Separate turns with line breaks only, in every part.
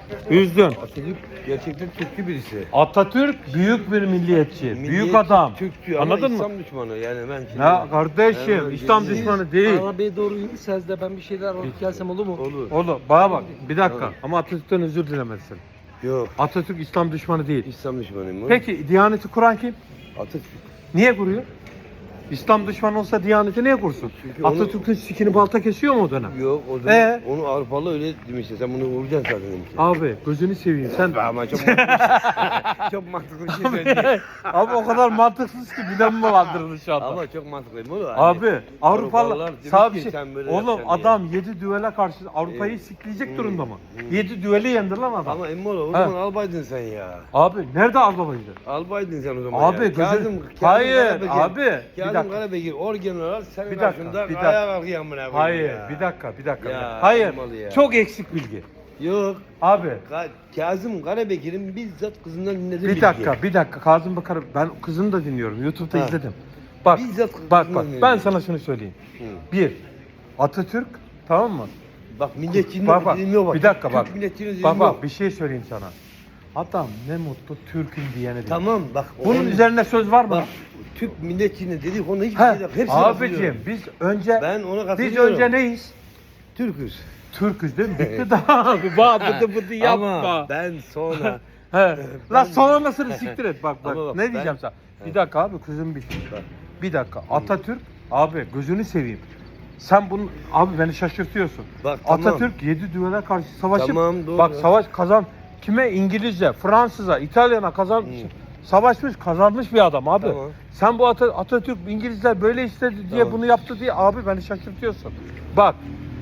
Üzdün.
Atatürk gerçekten Türkçü birisi.
Atatürk büyük bir milliyetçi, büyük adam.
Türkçü ama
Anladın mı?
İslam düşmanı yani ben şimdi.
Ya kardeşim,
Evet,
İslam
değil.
düşmanı değil.
Arabaya doğru yürürseniz de ben bir şeyler alıp gelsem olur mu?
Olur.
Oğlum bana bak, bir dakika.
Tamam.
Ama Atatürk'ten özür dilemezsin.
Yok.
Atatürk İslam düşmanı değil.
İslam düşmanıyım.
Peki Diyaneti kuran kim?
Atatürk.
Niye kuruyor? İslam düşmanı olsa Diyaneti niye kursun?
Çünkü onu-
Atatürk'ün sikini balta kesiyor mu o dönem?
Yok o zaman onu Avrupalı öyle demişti. Sen bunu vuracaksın zaten demişti.
Abi gözünü seveyim sen.
Ama çok mantıklı. Çok mantıklı bir şey söyledi.
Abi o kadar mantıksız ki bilen mi vardır şu anda?
Ama çok mantıklı değil mi?
Abi Avrupalı
Avrupalılar demiş
sağ
ki
bir şey.
sen böyle
Oğlum
yapacaksın
adam 7 düele karşı Avrupa'yı sikleyecek durumda mı? 7 düeli yendi lan adam.
Ama Emmoğlu o
Ha.
zaman albaydın sen ya.
Abi nerede Albabaydı?
Albaydın sen o zaman
Abi
ya.
gözün... Hayır
Karabekir.
abi. Bir
Kazım
dakika.
Karabekir orgen olarak senin
Bir dakika,
karşında
bir dakika.
ayağa kalkıyor amına koyayım
Hayır
ya.
bir dakika bir dakika.
Ya,
Hayır
olmalı ya.
çok eksik bilgi.
Yok.
Abi
Kazım Karabekir'in bizzat kızından dinlediğim
bir dakika Kazım Bakar ben kızını da dinliyorum. YouTube'da
Ha.
izledim. Bak
Bizzat
bak
kızından
ben
dinledim.
sana şunu söyleyeyim.
Hı.
Bir Atatürk tamam mı?
Bak milletçinin
Bak
dilimi bak.
bir dakika
Türk
bak.
milletçinin dilimi
Bak
yok.
bir şey söyleyeyim sana. Adam ne mutlu Türk'üm diyene diyor.
Tamam bak.
Bunun üzerine söz var mı?
Bak Türk milletçinin dediği konu hiçbir
He,
şey yok. Hepsini
abicim
katılıyorum.
biz önce
Ben ona
biz
katılıyorum.
önce neyiz?
Türk'üz.
Türk'üz değil mi? Bitti daha abi. Bak bıdı yapma.
Ama ben sonra
He.
Ben-
La sonrasını siktir et bak bak.
Ama bak,
ne
ben-
diyeceğim sana? Bir dakika abi kızım bir. Bir dakika. Atatürk abi gözünü seveyim. Sen bunu abi beni şaşırtıyorsun.
Bak, tamam.
Atatürk 7 düvele karşı savaşıp
Tamam, doğru.
bak savaş kazan kime İngilizce, Fransız'a, İtalyan'a savaşmış, kazanmış bir adam abi.
Tamam.
Sen bu Atatürk İngilizler böyle istedi diye
Tamam.
bunu yaptı diye abi beni şaşırtıyorsun. Bak.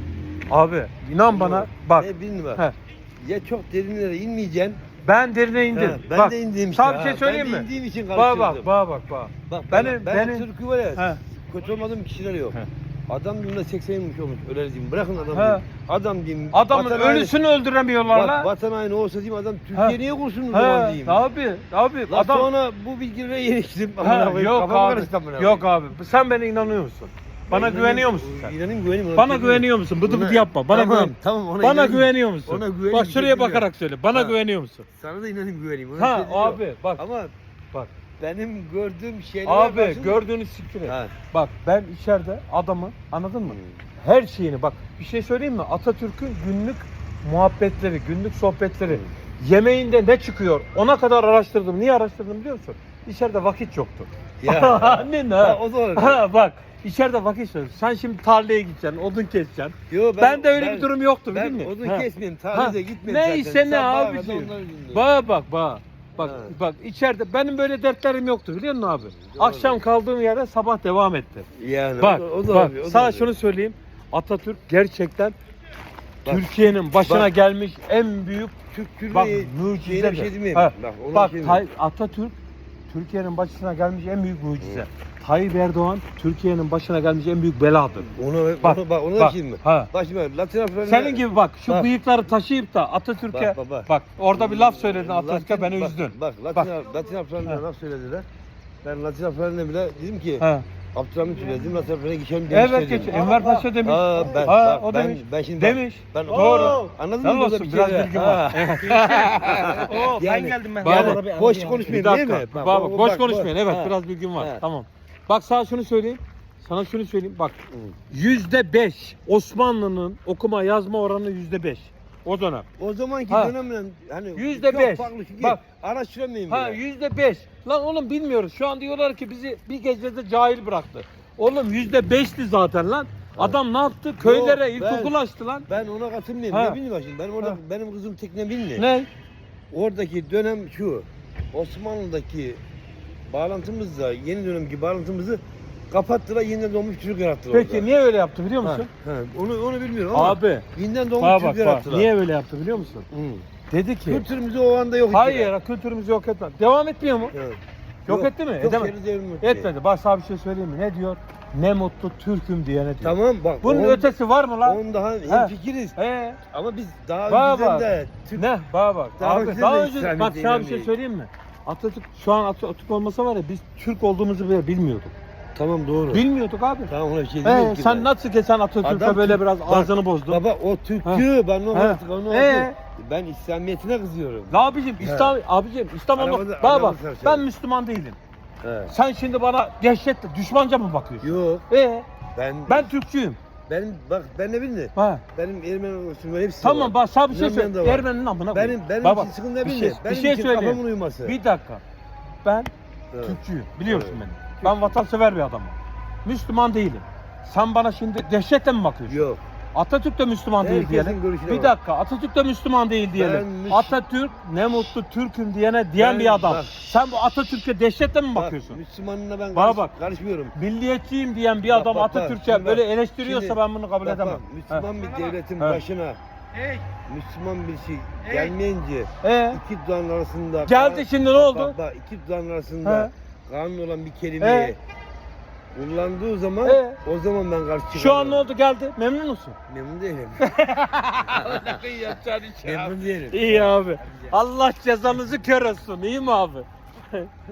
Abi inan bana bak.
Ne bileyim bak.
He.
Ya çok derinlere inmeyeceksin.
Ben derine indim.
Ha, ben
bak,
de indiğim işte.
sana bir şey
ha.
söyleyeyim
Ben de
mi?
indiğim için
Bak
karıştırdım.
bak.
Bak
Benim-
ben
benim-
Türk'ü var ya.
He.
Kötü olmadığım kişiler yok.
He.
Adam diyorum da 80 yılmış olmuş. Öyle diyeyim. Bırakın adam
He.
diyeyim. Adam diyeyim.
Adamın
vatan haini-
ölüsünü öldüremiyorlar
Bak,
la.
vatan haini olsa diyeyim adam
He.
Türkiye niye kursun o zaman
He,
diyeyim.
abi
La
adam
sonra bu bilgilere yeniktim.
Ha, yok abi. Yok abi. Sen bana inanıyor musun? Bana güveniyor musun sen?
İnanayım güveneyim.
Bana güveniyor musun? Bıdı bıdı yapma. Bana
tamam,
güven.
tamam, ona
Bana
inanayım.
güveniyor musun?
Ona güveneyim,
Bak şuraya
güveniyorum.
bakarak söyle. Bana
Ha.
güveniyor musun?
Sana da inanayım güveneyim. Ona
Ha
bir şey yok.
abi bak.
Ama
Bak.
benim gördüğüm şeyler
Abi gördüğünü siktir et.
Ha.
Bak ben içeride adamı anladın mı? Her şeyini bak bir şey söyleyeyim mi? Atatürk'ün günlük muhabbetleri, günlük sohbetleri, yemeğinde ne çıkıyor ona kadar araştırdım. Niye araştırdım biliyor musun? İçeride vakit yoktu.
Ya.
Annen ha.
Ha, o da öyle.
Ha, bak içeride vakit yok. Sen şimdi tarlaya gideceksin, odun keseceksin.
Yo,
Ben de öyle bir durum yoktu
Ben
biliyor musun?
odun
Ha.
kesmeyeyim,
Ha.
tarihe gitmeyeyim
Neyse
zaten.
ne
Sabaha kadar
abiciğim.
onları dinliyorum.
Bak.
Ha.
Bak içeride benim böyle dertlerim yoktu biliyor musun abi? Akşam kaldığım yerde sabah devam etti.
Yani
Bak,
o da
bak
oluyor, o da
sana
oluyor.
şunu söyleyeyim. Atatürk gerçekten
Bak,
Türkiye'nin başına
bak.
gelmiş en büyük bak
Şeyine
mucize.
bir şey demeyeyim.
Ha,
Bak, ona
bak
bir şey demeyeyim.
Atatürk Türkiye'nin başına gelmiş en büyük mucize. Tayyip Erdoğan Türkiye'nin başına gelmiş en büyük beladır.
Bak, ona da
bak,
şey mi?
ha.
Bak şimdi Latin Afrika'nın...
Senin gibi bak şu
Bak.
bıyıkları taşıyıp da Atatürk'e bak, orada bir laf söyledin Atatürk'e beni üzdün.
Bak Latin Afrika'nın laf söylediler. Ben Latin Afrika'nın bile dedim ki
Ha.
Abdülhamit söyledim Latin Afrika'ya geçelim
Evet
demişler
geç.
dedim.
Enver Paşa demiş.
Ha, ben,
Ha,
bak,
o
ben,
demiş.
ben şimdi
Demiş.
Ben,
Doğru.
Anladın
Helal
mı? Burada
olsun,
bir
biraz
şey
bilgim
var.
var.
Oo, ben
Yani-
geldim ben.
Bak,
Arada bir-
boş
arada bir-
konuşmayayım
Bir
değil
dakika.
mi?
Bak, boş
bak,
konuşmayın. Evet
Ha.
biraz bilgim var.
Ha.
Tamam. Bak sana şunu söyleyeyim. Sana şunu söyleyeyim. Bak %5 Osmanlı'nın okuma yazma oranı %5. O dönem.
O zamanki
Ha.
dönemle hani
%5.
çok farklı çünkü
Bak.
araştıramayayım
Ha
bile.
%5. Lan oğlum bilmiyoruz. Şu an diyorlar ki bizi bir gecede cahil bıraktı. Oğlum %5'ti zaten lan. Adam ne yaptı? Köylere
ben-
ilkokul açtı lan.
Ben ona katılmıyorum.
Ha.
Ne bileyim bak şimdi. Ben orada
Ha.
benim kızım tekne bilmiyor.
Ne?
Oradaki dönem şu. Osmanlı'daki bağlantımızla yeni dönemki bağlantımızı kapattılar. Yeniden doğmuş çocuk yarattılar
Peki
orada.
niye öyle yaptı biliyor
Ha,
musun?
ha. Onu bilmiyorum ama
Abi.
yeniden doğmuş
Bak
çocuk
bak.
yarattılar.
Niye öyle yaptı biliyor musun?
Hı.
Dedi ki
Kültürümüzü o anda yok
hayır kültürümüzü yok etmez. Devam etmiyor mu?
Evet.
Yok etti mi?
Yok,
Edemedi.
geri devrilmek
Etmedi. Bak sana bir şey söyleyeyim mi? Ne diyor? Ne mutlu Türk'üm diyene diyor.
Tamam bak.
Bunun ötesi var mı lan?
On daha
Ha.
hemfikiriz.
He.
Ama biz daha
Bana
önceden
bak.
de Türk
Ne? Bana bak.
Daha
Abi,
önceden
daha
de
önce
İslamiyet'e
bak sana bir şey
inanmıyoruz.
söyleyeyim mi? Atatürk şu an Atatürk olmasa var ya biz Türk olduğumuzu bile bilmiyorduk.
Tamam doğru.
Bilmiyorduk abi.
Tamam ona bir şey demiyorum ki
Sen
ben.
nasıl ki sen Atatürk'e
Adam
böyle
Türk-
biraz
bak,
ağzını bozdun.
Baba o Türkçü ben onu
Ha.
artık onu artık Ben İslamiyetine kızıyorum.
La abicim İstanbul'da
Arabada-
bana
arabada
bak
sarışın.
ben Müslüman değilim.
He.
Sen şimdi bana dehşetle düşmanca mı bakıyorsun?
Yok.
Ben Türkçüyüm.
Ben ne bileyim.
Ha.
Benim Ermeni olsun hepsi
Tamam
var.
bak sana bir şey
İnanmayan da
söyle.
var.
Ermeni'nin amına koyayım.
Benim
Baba,
için sıkıntı ne
bir
bileyim.
şey-
Benim
bir şey
için
söyleyeyim.
kafamın uyuması.
Bir dakika. Ben
Evet.
Türkçüyüm. Biliyorsun
Evet.
beni. Ben vatansever bir adamım. Müslüman değilim. Sen bana şimdi dehşetle mi bakıyorsun?
Yok.
Atatürk de Müslüman değil
Herkesin
diyelim.
görüşüne
Bir
bak.
dakika. Atatürk de Müslüman değil diyelim. Atatürk ne mutlu Türk'üm diyen
Ben-
bir adam.
bak.
Sen bu Atatürk'e dehşetle mi
Bak,
bakıyorsun?
Müslümanına ben
Bana bak.
karışmıyorum.
Milliyetçiyim diyen bir adam
bak,
Atatürk'e
şimdi
böyle
bak,
eleştiriyorsa
şimdi-
ben bunu kabul
Bak,
edemem.
bak, Müslüman bir devletin
Evet.
başına
Hey,
Müslüman bir şey gelmeyince
He.
iki dudağın arasında
Geldi şimdi ne oldu?
Bak, iki dudağın arasında
He.
kanun olan bir kelimeyi kullandığı zaman
He.
o zaman ben karşı çıkarım.
Şu an ne oldu geldi? Memnun musun?
Memnun değilim. Memnun değilim.
İyi abi. Allah cezanızı kör etsin. İyi mi abi?